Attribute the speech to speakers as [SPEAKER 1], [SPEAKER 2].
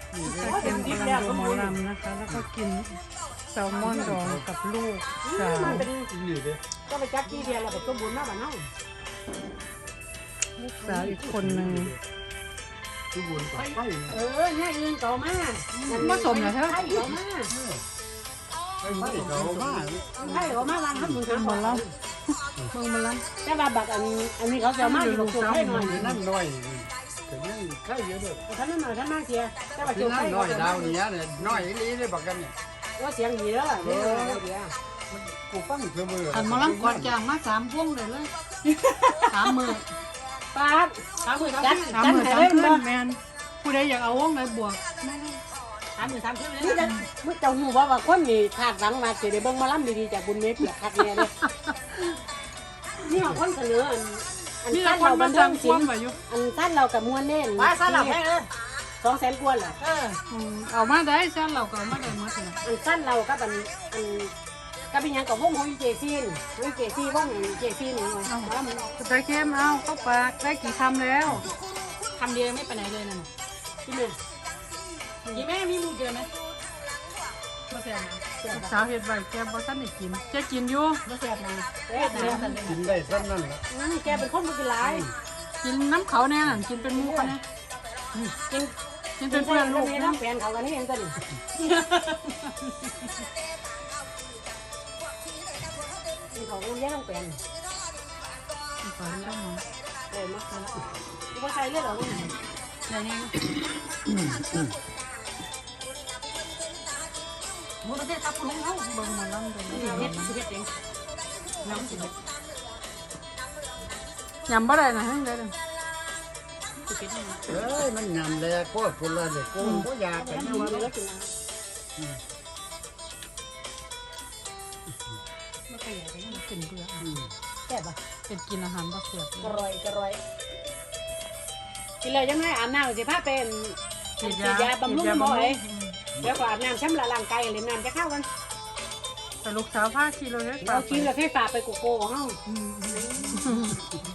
[SPEAKER 1] ก็เป็นกำลังดูหมอลำนะคะ แล้วก็กินแซลมอนดองกับลูกสาว
[SPEAKER 2] ก็ไปจับที่เดียวเราไปต้มบุญมาบ้านเฮา
[SPEAKER 1] ลูกสาวอีกคนหนึ่ง
[SPEAKER 2] เนี่ยอื่นต่อมา
[SPEAKER 1] ผสมเหรอเธอ
[SPEAKER 2] ไข่ต่อมาไข่ต่อมาวางทำบุญ
[SPEAKER 1] หมอ
[SPEAKER 2] ทำบุญ
[SPEAKER 1] ลำเมืองหมอล
[SPEAKER 2] แต่ว่าบักอันนี้เขาจะมาอยู่กับตัวให้หน่อย
[SPEAKER 3] นั่นน้อยแต่ยังไข่เยอะด้วย
[SPEAKER 2] ท่านนั่นหน่อยท่านมาเสียแต่ว่า
[SPEAKER 3] ที่
[SPEAKER 2] เจ้า
[SPEAKER 3] นั่
[SPEAKER 2] ไข่
[SPEAKER 3] นน้อยดาวนี้เนี่ยน้อยลีได้บอกกันเนี่ย
[SPEAKER 2] ว่าเสียงดีเด้อเดี๋ยว
[SPEAKER 3] กูฟังเสมอ
[SPEAKER 1] ำอันหมอลำกอดจางมา3 พวงเลย3 มือ
[SPEAKER 2] ปาด
[SPEAKER 4] 3 มื้อ
[SPEAKER 2] จัด
[SPEAKER 1] 3
[SPEAKER 2] จัด
[SPEAKER 1] มือ
[SPEAKER 2] ให้
[SPEAKER 1] 3
[SPEAKER 2] เล่น
[SPEAKER 1] คื
[SPEAKER 2] บ่
[SPEAKER 1] นแมนผู้ใดอยากเอาวงไหนบวก
[SPEAKER 4] 3 มื้อ3 คืนเลย
[SPEAKER 2] นี่จะ
[SPEAKER 4] นะ
[SPEAKER 2] มึงเจ้าหูว่าคนนี่คาดหวังมาสิได้เบิ่งมาล้ำดีๆจากบุญเมฆเปียกคักแน่เลยนี่ของคนเสนออัน
[SPEAKER 1] นี่
[SPEAKER 2] สั้
[SPEAKER 1] เรา
[SPEAKER 2] น
[SPEAKER 1] คน
[SPEAKER 2] เราบั
[SPEAKER 1] มาน
[SPEAKER 2] เทิ
[SPEAKER 1] สั่
[SPEAKER 2] ง
[SPEAKER 1] งพ
[SPEAKER 2] ศิ
[SPEAKER 1] ว
[SPEAKER 2] ล
[SPEAKER 1] ง
[SPEAKER 2] ป์
[SPEAKER 1] ไปอยู่
[SPEAKER 2] อันสั้นเรากับมวลเน่น
[SPEAKER 4] ว่าสลับให้เลย
[SPEAKER 2] 200,000 กว่าเหรอ
[SPEAKER 1] เอามาได้ซะเราก็เอามาได้หมดเลย
[SPEAKER 2] อันสั้นเรากับอันกับเป็นยังกับวงของเจซีนวงเจซีวงเจซีนนี่ว่ามัน
[SPEAKER 1] ตะเข้มเอาเข้าปากได้กี่คำแล้ว
[SPEAKER 4] คำเดียวไม่ไปไหนเลยนั่น
[SPEAKER 2] ที่เนี่ย
[SPEAKER 4] กี่แม่มีมูเกินไหมบ่แซ่บนะ
[SPEAKER 1] ลูกสาวเฮ็ดไว้แกบ่ทันได้กินจะกินอยู่
[SPEAKER 4] บ่แซ่บนะ
[SPEAKER 2] เอ๊ะ
[SPEAKER 3] กินได้สั้นนั่นแหละ
[SPEAKER 2] แกเป็นคนบ่กินหลาย
[SPEAKER 1] กินน้ำเขาแน่น่ะกินเป็นหมูเขาแน่
[SPEAKER 2] กิน
[SPEAKER 1] กินเป็นเพื่อนลูก
[SPEAKER 2] นี่
[SPEAKER 1] นะ
[SPEAKER 2] น้ำแฟนเขากันนี่เองก็นี่กินของเลี้ยงน้ำแฟน
[SPEAKER 1] ขอเรื่องหน่อย
[SPEAKER 2] มาดูว่าใครเลือดหรอเนี่ย
[SPEAKER 1] อย่างนี้
[SPEAKER 4] หมูประเทศตับลุงเฮา
[SPEAKER 1] เบิ่งหมาลำเดี๋ยว
[SPEAKER 4] เฮ็
[SPEAKER 1] นี้
[SPEAKER 4] ดสิเฮ็ดเองน้ำสิเฮ็ด
[SPEAKER 1] ยำบ่ได้นะให้ได้เลย
[SPEAKER 4] สิเฮ็ดให้
[SPEAKER 3] เอ้ยมันยำแลก็คนละเด็กกูก็อยากกัน
[SPEAKER 2] กิ
[SPEAKER 3] นะ
[SPEAKER 2] น
[SPEAKER 3] ว่า
[SPEAKER 2] แล้วกิน
[SPEAKER 4] บ่เคยอยากได้
[SPEAKER 1] กินเบื่อ
[SPEAKER 2] แซ่บป่ะ
[SPEAKER 1] เป็นกินอาหารบ่เสียบเล
[SPEAKER 2] กระ
[SPEAKER 1] ย
[SPEAKER 2] รอยกระรอยกินเลยยังไงอาบน้ำสิผ้าเป็นฉีดยาบำรุงหมอเลยเดี๋ยวก็อาบน้ำช้ำละร่างกายเลยน้ำจะเข้ากัน
[SPEAKER 1] แต่ลูกสาวพาขี่รถให้
[SPEAKER 2] เรากินแล้วแค่ฝาไปโกโก้ของเฮา